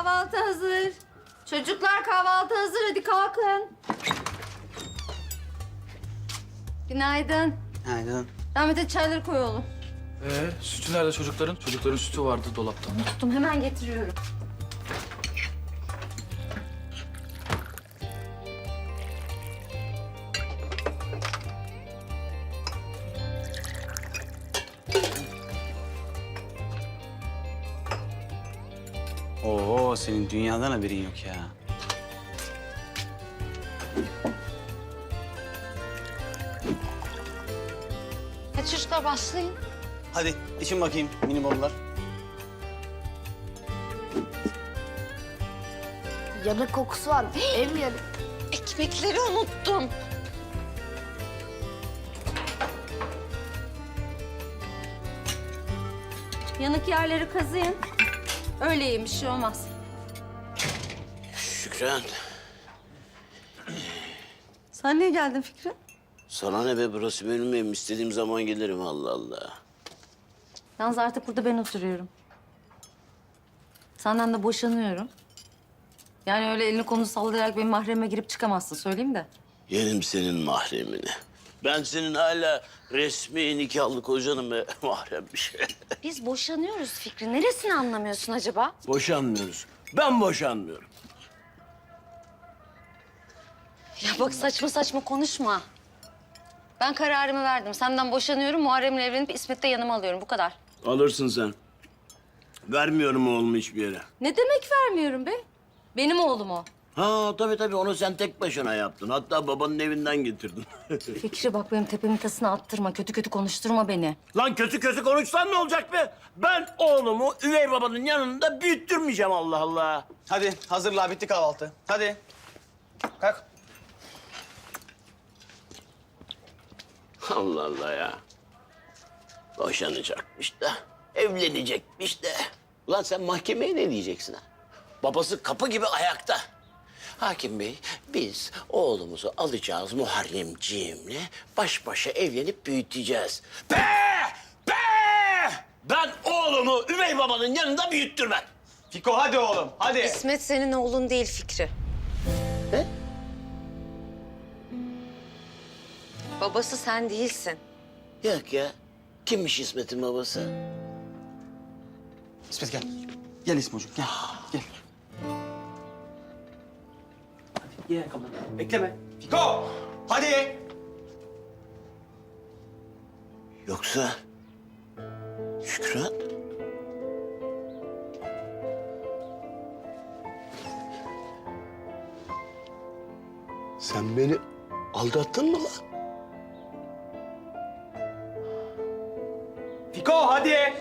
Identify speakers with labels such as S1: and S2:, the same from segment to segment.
S1: kahvaltı hazır. Çocuklar kahvaltı hazır, hadi kalkın. Günaydın.
S2: Günaydın.
S1: Rahmet'e çayları koy oğlum.
S3: Sütü nerede çocukların? Çocukların sütü vardı dolapta.
S1: Tuttum, hemen getiriyorum.
S2: Oo, senin dünyadan haberin yok ya.
S1: Hadi çocuklar başlayın.
S2: Hadi için bakayım mini bollar.
S4: Yanık kokusu var. Ev yanık.
S1: Ekmekleri unuttum. Yanık yerleri kazıyın. Öyle yiyin, bir şey olmaz.
S5: Şükran,
S1: Sen niye geldin Fikri?
S5: sana ne be, burası benim evim. İstediğim zaman gelirim, Allah Allah.
S1: Yalnız artık burada ben oturuyorum. Senden de boşanıyorum. Yani öyle elini kolunu sallayarak benim mahreme girip çıkamazsın, söyleyeyim de.
S5: Yerim senin mahremini. Ben senin hala resmi nikahlı kocanım ve mahrem bir şey.
S1: Biz boşanıyoruz Fikri. Neresini anlamıyorsun acaba?
S5: Boşanmıyoruz. Ben boşanmıyorum.
S1: Ya bak saçma saçma konuşma. Ben kararımı verdim. Senden boşanıyorum. Muharrem'le evlenip İsmet'i de yanıma alıyorum. Bu kadar.
S5: Alırsın sen. Vermiyorum oğlumu hiçbir yere.
S1: Ne demek vermiyorum be? Benim oğlum o.
S5: Ha tabii onu sen tek başına yaptın. Hatta babanın evinden getirdin.
S1: Fikri bak benim tepemin tasını attırma. Kötü kötü konuşturma beni.
S5: Lan kötü konuşsan ne olacak be? Ben oğlumu üvey babanın yanında büyüttürmeyeceğim, Allah Allah.
S2: Hadi hazırla, bitti kahvaltı. Hadi. Kalk.
S5: Allah Allah ya. Boşanacakmış da, evlenecekmiş de. Ulan sen mahkemeye ne diyeceksin ha? Babası kapı gibi ayakta. Hakim Bey, biz oğlumuzu alacağız Muharremciğimle. Baş başa evlenip büyüteceğiz. Be! Be! Ben oğlumu üvey babanın yanında büyüttürmem.
S2: Fiko hadi oğlum, hadi.
S1: İsmet senin oğlun değil Fikri.
S5: Ne?
S1: Babası sen değilsin.
S5: Yok ya. Kimmiş İsmet'in babası?
S2: İsmet gel. Gel İsmocuğum, gel. Gel. Hadi ye ayakkabıları. Bekleme. Fiko! Hadi.
S5: Yoksa Şükran? Sen beni aldattın mı lan?
S2: Fiko hadi.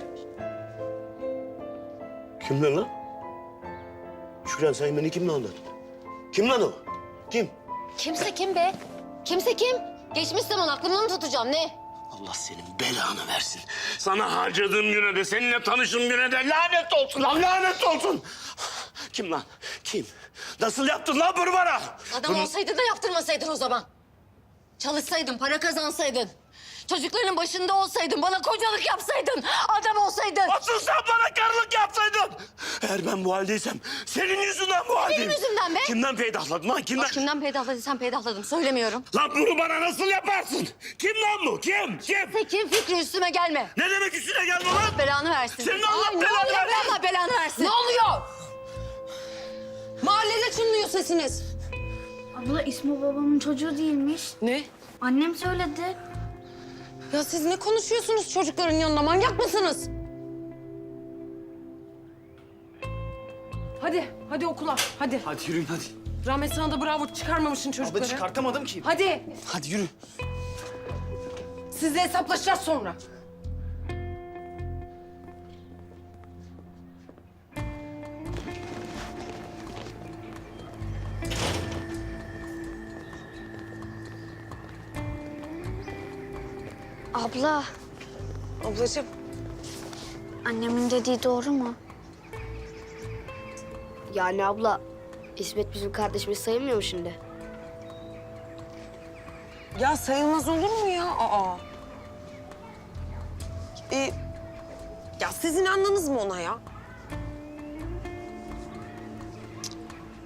S5: Kim lan? Şükran, sen beni kimle aldattın? Kim lan o? Kim?
S4: Kimse kim be? Kimse kim? Geçmiş zaman aklımda mı tutacağım ne?
S5: Allah senin belanı versin. Sana harcadığım güne de, seninle tanıştığım güne de lanet olsun lan, lanet olsun. Kim lan? Kim? Nasıl yaptın lan bunu bana?
S4: Adam olsaydın da yaptırmasaydın o zaman. Çalışsaydın, para kazansaydın. Çocukların başında olsaydın, bana kocalık yapsaydın. Adam olsaydın.
S5: Asıl sen bana karılık yapsaydın. Eğer ben bu haldeysem senin yüzünden bu haldeyim.
S4: Benim yüzümden be.
S5: Kimden peydahladın lan, kimden?
S4: Kimden peydahladıysan peydahladım, söylemiyorum.
S5: Lan bunu bana nasıl yaparsın? Kim lan bu? Kim?
S4: Kim Fikri, üstüme gelme.
S5: Ne demek üstüne gelme lan?
S4: Belanı versin.
S5: Senin Allah
S4: Ay, ne
S5: belanı
S4: oluyor be,
S5: versin.
S4: Allah belanı versin.
S6: Ne oluyor? Mahallede çınlıyor sesiniz.
S7: Abla İsmo babamın çocuğu değilmiş.
S6: Ne?
S7: Annem söyledi.
S6: Ya siz ne konuşuyorsunuz çocukların yanında? Manyak mısınız? Hadi okula. Hadi.
S2: Hadi yürüyün hadi.
S6: Rahmet sana da bravo çıkarmamışsın çocukları.
S2: Abla çıkartamadım ki.
S6: Hadi.
S2: Hadi yürü.
S6: Sizle hesaplaşacağız sonra.
S7: Abla,
S6: Ablacığım.
S7: annemin dediği doğru mu?
S4: Yani abla, İsmet bizim kardeşimiz sayılmıyor mu şimdi?
S6: Ya sayılmaz olur mu ya? Aa. Ya siz inandınız mı ona ya?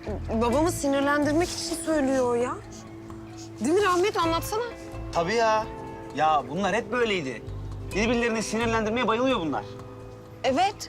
S6: Babamı sinirlendirmek için söylüyor o ya. Değil mi Rahmet? Anlatsana.
S2: Tabii ya. Ya bunlar hep böyleydi. Birbirlerini sinirlendirmeye bayılıyor bunlar.
S6: Evet.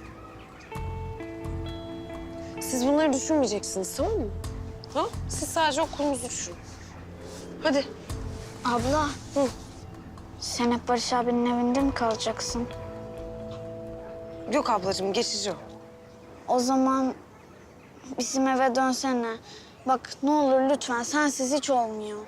S6: Siz bunları düşünmeyeceksiniz, tamam mı? Ha? Siz sadece okulunuzu düşünün. Hadi.
S7: Abla. Sen hep Barış abinin evinde mi kalacaksın?
S6: Yok ablacığım, geçici o.
S7: O zaman bizim eve dönsene. Bak ne olur lütfen, sensiz hiç olmuyor.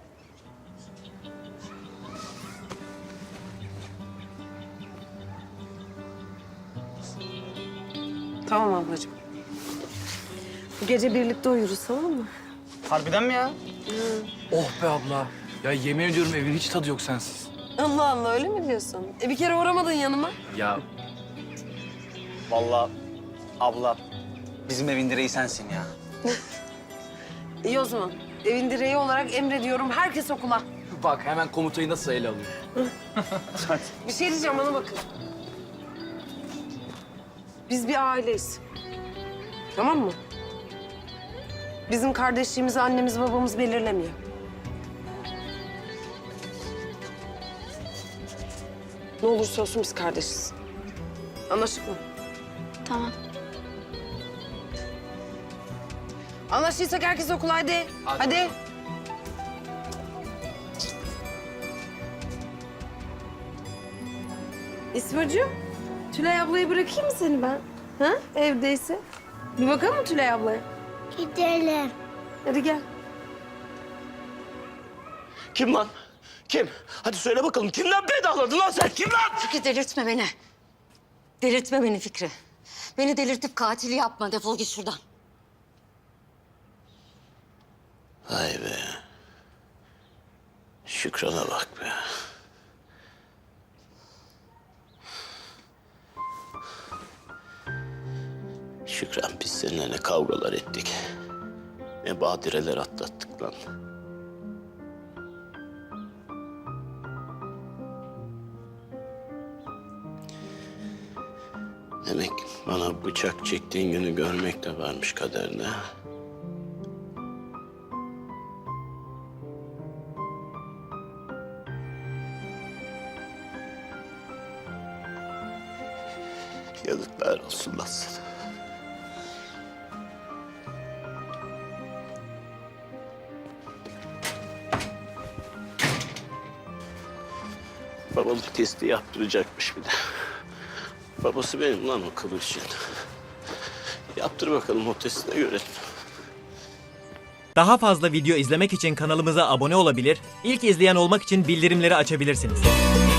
S6: Tamam ablacığım. Bu gece birlikte uyuruz, tamam mı?
S2: Harbiden mi ya?
S3: Oh be abla. Ya yemin ediyorum evin hiç tadı yok sensiz.
S6: Allah Allah, öyle mi diyorsun? Bir kere uğramadın yanıma.
S3: Ya
S2: Vallahi abla bizim evin direği sensin ya.
S6: İyi o zaman. Evin direği olarak emrediyorum, herkes okula.
S3: bak hemen komutayı nasıl ele alıyor.
S6: Bir şey diyeceğim, bana bakın. Biz bir aileyiz. Tamam mı? Bizim kardeşliğimizi annemiz babamız belirlemiyor. Ne olursa olsun biz kardeşiz. Anlaştık mı?
S7: Tamam.
S6: Anlaştıysak herkes okula, hadi. Hadi. İsmacığım, Tülay ablayı bırakayım mı seni ben? Ha? Evdeyse. Bir bakalım mı Tülay ablaya?
S7: Gidelim.
S6: Hadi gel.
S5: Kim lan? Kim? Hadi söyle bakalım. Kimden pedahladın lan sen? Kim lan?
S4: Fikri delirtme beni. Delirtme beni Fikri. Beni delirtip katil yapma. Defol git şuradan.
S5: Vay be. Şükran'a bak be. Şükran, biz seninle ne kavgalar ettik. Ne badireler atlattık lan. Demek bana bıçak çektiğin günü görmek de varmış kaderine. Yazıklar olsun lan sana. Babam testi yaptıracakmış bir de. Babası benim lan o kılıçın. Yaptır bakalım o testi de görelim.
S8: Daha fazla video izlemek için kanalımıza abone olabilir, ilk izleyen olmak için bildirimleri açabilirsiniz.